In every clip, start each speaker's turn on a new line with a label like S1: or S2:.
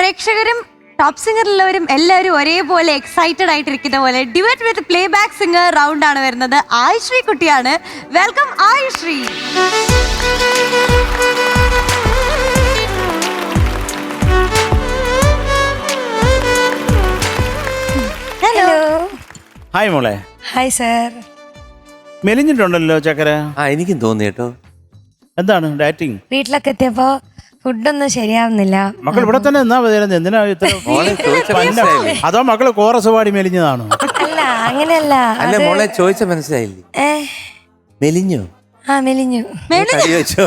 S1: പ്രേക്ഷകരും ടോപ്പ് സിംഗറിലുള്ളവരും എല്ലാവരും ഒരേപോലെ എക്സൈറ്റഡ് ആയിട്ടിരിക്കുന്ന പോലെ debate with playback singer round ആണ് വരുന്നത്. ആയുശ്രീ കുട്ടിയാണ്. വെൽക്കം ആയുശ്രീ.
S2: ഹലോ.
S3: ഹായ് മോളെ.
S2: Hi sir.
S3: മെലിഞ്ഞിട്ടുണ്ടല്ലോ ചക്കര.
S4: എനിക്കും തോന്നി കേട്ടോ.
S3: എന്താണ് ഡയറ്റിങ്?
S2: വീട്ടിലൊക്കെ എത്തിയപ്പോ ഫുഡൊന്നും ശരിയാവുന്നില്ല.
S3: മക്കൾ ഇവിടെ തന്നെ എന്നാ എന്തിനാ ഇത്ര അതോ മക്കള് കോറസ് പാടി മെലിഞ്ഞതാണോ?
S2: അല്ല അങ്ങനെയല്ല.
S4: അല്ല മോളെ ചോദിച്ച മനസ്സിലായില്ലേ? മെലിഞ്ഞോ?
S2: ആ മെലിഞ്ഞു.
S4: ചോദിച്ചോ?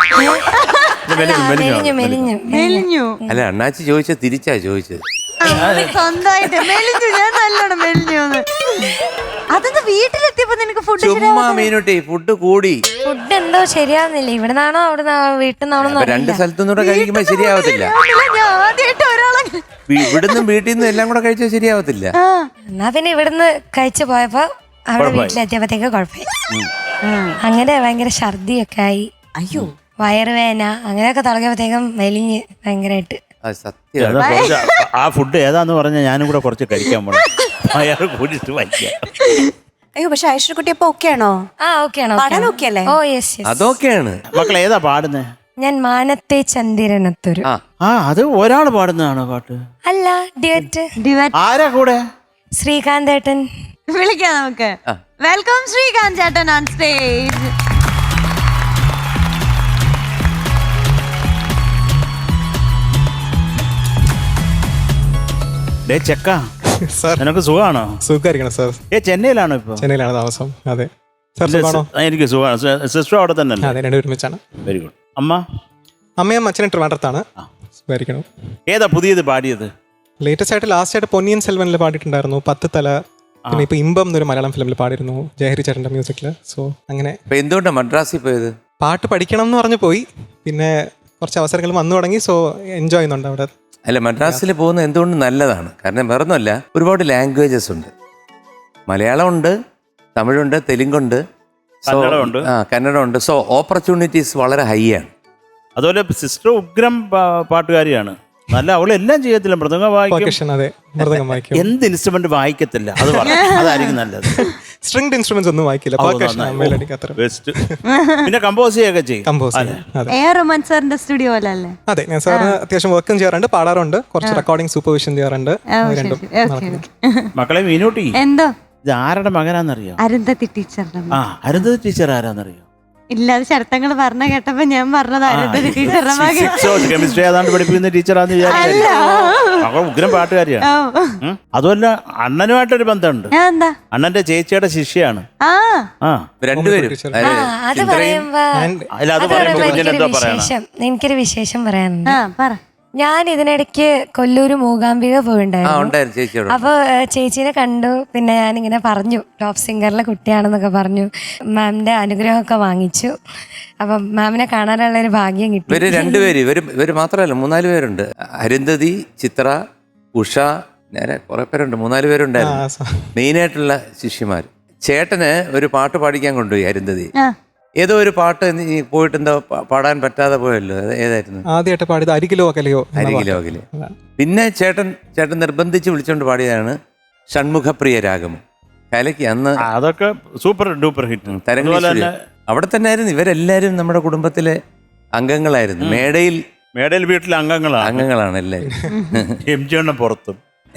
S1: മെലിഞ്ഞു.
S4: അല്ല അണ്ണാച്ചി ചോദിച്ച തിരിച്ചാ ചോദിച്ചത്.
S1: സ്വന്തമായിട്ട് മെലിഞ്ഞു. ഞാൻ നല്ലോണം മെലിഞ്ഞു. അതെന്താ വീട്ടിലെത്തിയപ്പോ നിനക്ക് ഫുഡ്
S4: ചുമ്മാ മീനുട്ടി ഫുഡ് കൂടി.
S2: ഫുഡ് എന്തോ ശരിയാവുന്നില്ല. ഇവിടുന്നാണോ അവിടെ വീട്ടിൽ നിന്നാണോ?
S4: രണ്ട് സ്ഥലത്തുനിന്നൂടെ കഴിക്കുമ്പോ ശരിയാവത്തില്ല. ഇവിടുന്നും വീട്ടിൽ നിന്നും എല്ലാം കൂടെ കഴിച്ചാൽ ശരിയാവത്തില്ല.
S2: എന്നാ പിന്നെ ഇവിടുന്ന് കഴിച്ചു പോയപ്പോ അവിടെ വീട്ടിലെത്തിയപ്പോഴത്തേക്ക് കുഴപ്പമായി. അങ്ങനെ ഭയങ്കര ഛർദിയൊക്കെ ആയി.
S1: അയ്യോ
S2: വയറുവേദന അങ്ങനെയൊക്കെ തുടങ്ങിയപ്പോഴത്തേക്കും മെലിഞ്ഞ് ഭയങ്കരമായിട്ട്.
S4: സത്യം.
S3: ആ ഫുഡ് ഏതാന്ന് പറഞ്ഞാൽ ഞാനും കൂടെ കുറച്ച് കഴിക്കാൻ പോണം. അയാൾ കൂടിയിട്ട് വയ്ക്കാം.
S5: അയ്യോ പക്ഷെ ഐശ്വര്യ കുട്ടി അപ്പൊ ഓക്കെ ആണോ?
S2: ആ ഓക്കെ ആണോ?
S5: പാടാൻ ഓക്കെ അല്ലേ?
S2: Oh yes yes.
S4: അതൊക്കെയാണ്.
S3: മക്കൾ ഏതാ പാടുന്നേ?
S2: ഞാൻ മാനത്തെ ചന്ദിരനത്തൊരു.
S3: ആ അത് ഒരാൾ പാടുന്നതാണോ പാട്ട്?
S2: അല്ല ഡിയറ്റ്.
S3: ആരാ കൂടെ?
S2: ശ്രീകാന്ത് ഏട്ടൻ.
S1: വിളിക്കാം നമുക്ക്. വെൽക്കം ശ്രീകാന്ത് ചേട്ടൻ ഓൺ സ്റ്റേജ്.
S3: ചെക്ക നിനക്ക് സുഖമാണോ?
S6: സുഖമായിരിക്കണം സാർ.
S3: ചെന്നൈയിലാണോ ഇപ്പൊ?
S6: ചെന്നൈയിലാണ് താമസം. അതെ സാർ. സുഖമാണോ?
S3: എനിക്ക് സുഖമാണ്. സിസ്റ്റർ അവിടെ തന്നെ അല്ലേ?
S6: അതെ രണ്ടുപേരും ഒരുമിച്ചാണ്.
S3: Very good. അമ്മ?
S6: അമ്മയും അച്ഛനും ട്രിവാൻഡ്രത്താണ്. സുഖമായിരിക്കണം.
S3: ഏതാ പുതിയത് പാടിയത്?
S6: ലേറ്റസ്റ്റ് ആയിട്ട് ലാസ്റ്റ് ആയിട്ട് പൊന്നിയൻ സെൽവനിൽ പാടിയിട്ടുണ്ടായിരുന്നു 10 തല. പിന്നെ ഇപ്പൊ ഇമ്പം എന്നൊരു മലയാളം ഫിലിമിൽ പാടിയിരുന്നു ജയഹരി ചേട്ടന്റെ മ്യൂസിക്കില്. സോ അങ്ങനെ.
S4: എന്തുകൊണ്ടാണ് മദ്രാസിൽ പോയത്?
S6: പാട്ട് പഠിക്കണം എന്ന് പറഞ്ഞു പോയി. പിന്നെ കുറച്ച് അവസരങ്ങൾ വന്നു തുടങ്ങി. സോ എൻജോയ് ചെയ്യുന്നുണ്ട് അവിടെ.
S4: അല്ല മദ്രാസിൽ പോകുന്നത് എന്തുകൊണ്ട് നല്ലതാണ്. കാരണം വേറൊന്നുമല്ല, ഒരുപാട് ലാംഗ്വേജസ് ഉണ്ട്. മലയാളം ഉണ്ട്, തമിഴുണ്ട്, തെലുങ്കുണ്ട്, കന്നഡമുണ്ട്. സോ ഓപ്പർച്യൂണിറ്റീസ് വളരെ ഹൈ ആണ്.
S3: അതുപോലെ സിസ്റ്റർ ഉഗ്രം പാട്ടുകാരിയാണ്. നല്ല അവളെല്ലാം ചെയ്യത്തില്ല. മൃദംഗം വായിക്കും.
S6: അതെ മൃദംഗം വായിക്കും.
S3: എന്ത് ഇൻസ്ട്രുമെന്റ് വായിക്കത്തില്ല അത് അതായിരിക്കും നല്ലത്.
S6: സ്ട്രിംഗ് ഇൻസ്ട്രുമെന്റ്സ് ഒന്നും വായിക്കില്ല.
S3: ബെസ്റ്റ്. പിന്നെ കമ്പോസ് ചെയ്യൊക്കെ ചെയ്യും.
S1: സ്റ്റുഡിയോ അല്ലേ?
S6: അതെ ഞാൻ സാറിന് അത്യാവശ്യം വർക്കും ചെയ്യാറുണ്ട്, പാടാറുണ്ട്, കുറച്ച് റെക്കോർഡിംഗ് സൂപ്പർവിഷൻ ചെയ്യാറുണ്ട്.
S3: മക്കളെ മീനൂട്ടി
S1: എന്തോ
S3: ഇത് ആരുടെ മകനാന്നറിയോ?
S1: അരുന്ധതി ടീച്ചറുടെ.
S3: അരുന്ധതി ടീച്ചർ ആരാന്നറിയോ?
S1: ഇല്ല അത് ചേർത്തങ്ങൾ പറഞ്ഞ കേട്ടപ്പോ ഞാൻ പറഞ്ഞത് അരുന്ധതി ടീച്ചറുടെ മകൻ.
S3: കെമിസ്ട്രി ഏതാണ്ട് പഠിപ്പിക്കുന്ന ടീച്ചറാന്ന് വിചാരിച്ചു. മകൾ ഉഗ്രം പാട്ടുകാരിയാണ്. അതുമല്ല അണ്ണനുമായിട്ടൊരു ബന്ധമുണ്ട്. അണ്ണന്റെ ചേച്ചിയുടെ ശിഷ്യാണ്.
S4: രണ്ടുപേരും.
S2: അത് പറയുമ്പോ എനിക്കൊരു വിശേഷം പറയാനുണ്ട്. ഞാൻ ഇതിനിടയ്ക്ക് കൊല്ലൂര് മൂകാംബിക പോയിണ്ടായിരുന്നു. അപ്പൊ ചേച്ചീനെ കണ്ടു. പിന്നെ ഞാനിങ്ങനെ പറഞ്ഞു ടോപ്പ് സിംഗറിലെ കുട്ടിയാണെന്നൊക്കെ പറഞ്ഞു. മാമിന്റെ അനുഗ്രഹമൊക്കെ വാങ്ങിച്ചു. അപ്പൊ മാമിനെ കാണാനുള്ള ഒരു ഭാഗ്യം കിട്ടി.
S4: ഇവര് രണ്ടുപേര് ഇവര് മാത്രമല്ല 3-4 പേരുണ്ട്. അരുന്ധതി, ചിത്ര, ഉഷ, നേരെ കുറെ പേരുണ്ട്. 3-4 പേരുണ്ടായിരുന്നു മെയിനായിട്ടുള്ള ശിഷ്യന്മാർ. ചേട്ടന് ഒരു പാട്ട് പാടിക്കാൻ കൊണ്ടുപോയി അരുന്ധതി. ഏതോ ഒരു പാട്ട് പോയിട്ട് എന്താ പാടാൻ പറ്റാതെ പോയല്ലോ. ഏതായിരുന്നു?
S6: ആദ്യമായിട്ട് പാടിയത് അരികിലോ അകലെയോ.
S4: പിന്നെ ചേട്ടൻ നിർബന്ധിച്ച് വിളിച്ചോണ്ട് പാടിയതാണ് ഷൺമുഖപ്രിയ രാഗമം. കലയ്ക്ക് അന്ന്
S3: അതൊക്കെ സൂപ്പർ ഡൂപ്പർ ഹിറ്റ്.
S4: തരംഗം അവിടെ തന്നെ ആയിരുന്നു. ഇവരെല്ലാരും നമ്മുടെ കുടുംബത്തിലെ അംഗങ്ങളായിരുന്നു. മേടയിൽ വീട്ടിലെ അംഗങ്ങളാണ് എല്ലാവരും.
S3: എം ജി എണ്ണ പുറത്തും.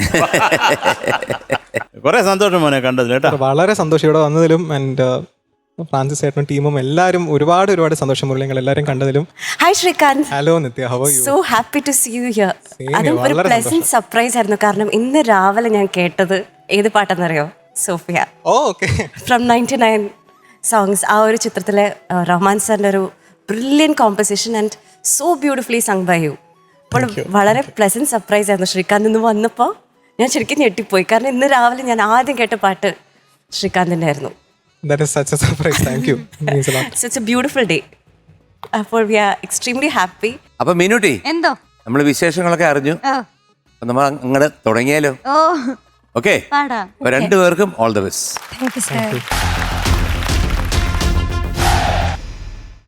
S3: കുറെ സന്തോഷം മോനെ കണ്ടതിൽ കേട്ടോ.
S6: വളരെ സന്തോഷം ഇവിടെ വന്നതിലും. ആൻഡ് ഫ്രാൻസിസ് ഏട്ടനും ടീമും എല്ലാവരും ഒരുപാട് സന്തോഷം. മുരളിങ്ങൾ എല്ലാവരും കണ്ടതിലും.
S5: Hi Srikanth.
S6: Hello Nithya, how are you?
S5: So happy to see you here. അതും ഒരു പ്ലസന്റ് സർപ്രൈസ് ആയിരുന്നു. കാരണം ഇന്ന് രാവിലെ ഞാൻ കേട്ടത് ഏത് പാട്ടെന്നറിയോ? സോഫിയ.
S6: ഓക്കെ.
S5: From 99 songs. ആ ഒരു ചിത്രത്തിലെ റഹ്മാൻ സാറിന്റെ ഒരു brilliant composition and so beautifully sung by you. അപ്പോൾ വളരെ പ്ലസന്റ് സർപ്രൈസ് ആയിരുന്നു ശ്രീകാന്ത് ഇന്ന് വന്നപ്പോൾ. ഞാൻ ശരിക്കും ഞെട്ടിപ്പോയി. കാരണം ഇന്ന് രാവിലെ ഞാൻ ആദ്യം കേട്ട പാട്ട് ശ്രീകാന്തിന്റെ ആയിരുന്നു.
S6: That is such a surprise. Thank you. It means a lot.
S5: So it's a beautiful day. അപ്പോൾ we are extremely happy.
S4: അപ്പൊ മീനുട്ടി
S1: എന്തോ
S4: നമ്മള് വിശേഷങ്ങളൊക്കെ അറിഞ്ഞു. നമ്മൾ അങ്ങോട്ട് തുടങ്ങിയാലോ? ഓക്കെ. രണ്ടുപേർക്കും all the best.
S2: Thank you sir.